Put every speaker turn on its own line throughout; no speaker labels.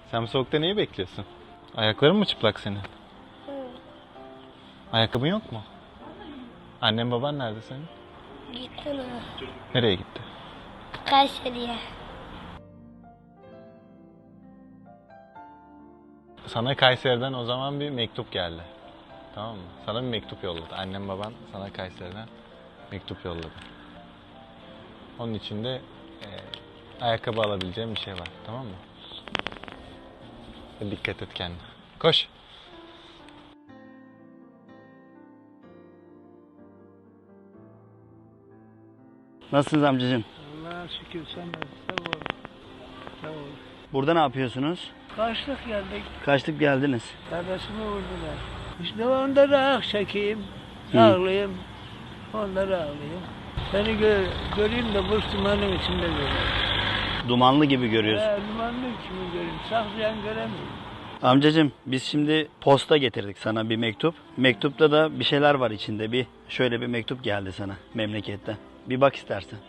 Sen bu soğukta neyi bekliyorsun? Ayakların mı çıplak senin? Ayakkabın yok mu? Annen baban nerede senin?
Gitti mi?
Nereye gitti?
Kayseri'ye.
Sana Kayseri'den o zaman bir mektup geldi. Tamam mı? Sana bir mektup yolladı. Annem baban sana Kayseri'den mektup yolladı. Onun içinde ayakkabı alabileceğim bir şey var. Tamam mı? Dikkat et kendine. Koş.
Nasılsınız amcacığım?
Allah'a şükür sen de sağ ol. Sağ ol.
Burada ne yapıyorsunuz?
Kaçtık geldik.
Kaçtık geldiniz.
Kardeşimi vurdular. İşte onları ah çekeyim.
Hı.
Ağlayayım. Onları ağlayayım. Seni göreyim de bu dumanın içinde göreyim.
Dumanlı gibi görüyorsun.
Dumanın içinde göreyim. Saklayan göremiyorum.
Amcacığım biz şimdi posta getirdik sana bir mektup. Mektupta da bir şeyler var içinde. Şöyle bir mektup geldi sana memleketten. Bir bak istersen.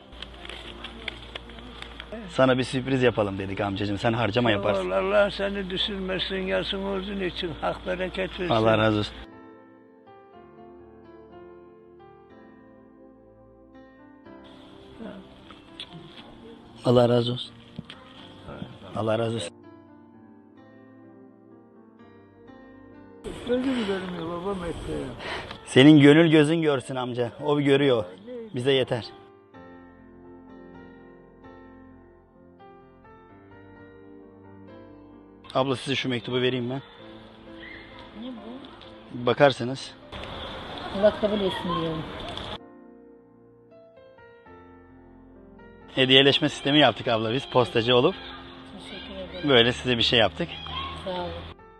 Sana bir sürpriz yapalım dedik amcacığım. Sen harcama yaparsın.
Allah seni düşürmesin. Yasın uzun için hak bereket versin.
Allah razı olsun. Allah razı olsun. Allah razı olsun.
Gözüm görmüyor babam etti.
Senin gönül gözün görsün amca. O bir görüyor. Bize yeter. Abla size şu mektubu vereyim ben.
Ne bu?
Bakarsınız.
Allah kabul etsin diyorum.
Hediyeleşme sistemi yaptık abla biz postacı olup.
Teşekkür ederim.
Böyle size bir şey yaptık.
Sağ olun.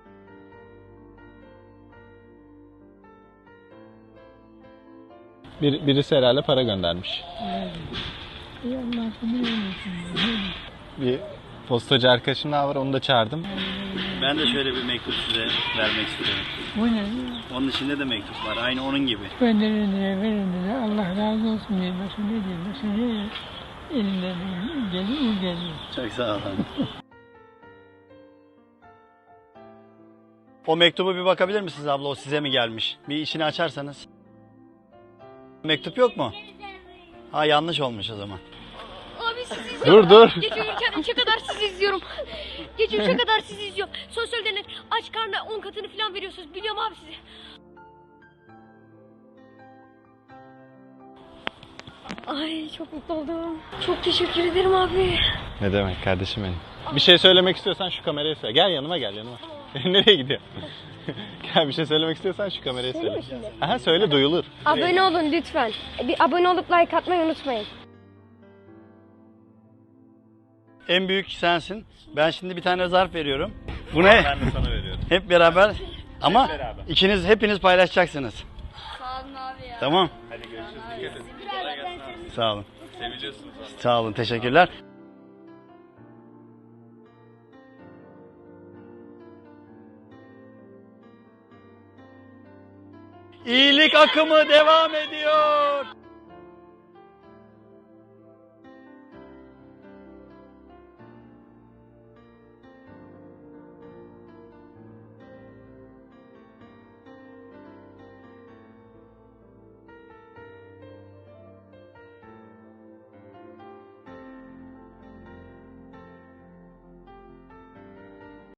Birisi herhalde para göndermiş.
İyi Allah'ım.
Bir postacı arkadaşım daha var, onu da çağırdım.
Ben de şöyle bir mektup size vermek istiyorum.
Bu ne?
Onun içinde de mektup var. Aynı onun gibi.
Gönderin diye verin diye Allah razı olsun diye. Başka ne diyeyim? Başka ne diyeyim? Elinden geliyor, o geliyor.
Çok sağ olun. O mektubu bir bakabilir misiniz abla? O size mi gelmiş? Bir içini açarsanız. Mektup yok mu? Ha yanlış olmuş o zaman.
Abi sizi izliyorum.
Dur.
Gece uyurken 3'e kadar sizi izliyorum. Gece 3'e kadar sizi izliyorum. Sosyal deney aç karnına 10 katını falan veriyorsunuz. Biliyorum abi sizi. Ay çok mutlu oldum. Çok teşekkür ederim abi.
Ne demek kardeşim benim. Bir şey söylemek istiyorsan şu kameraya söyle. Gel yanıma gel yanıma. Nereye gidiyor? Gel bir şey söylemek istiyorsan şu kameraya söyle. Aha söyle duyulur.
Abone olun lütfen. Bir abone olup like atmayı unutmayın.
En büyük sensin. Ben şimdi bir tane zarf veriyorum. Bu ne?
Ben de sana veriyorum.
Hep beraber. Ama
beraber.
hepiniz paylaşacaksınız.
Sağ olun abi ya.
Tamam.
Hadi görüşürüz. Dikkat et.
Sağ olun.
Seviliyorsunuz.
Sağ olun. Teşekkürler. İyilik akımı devam ediyor.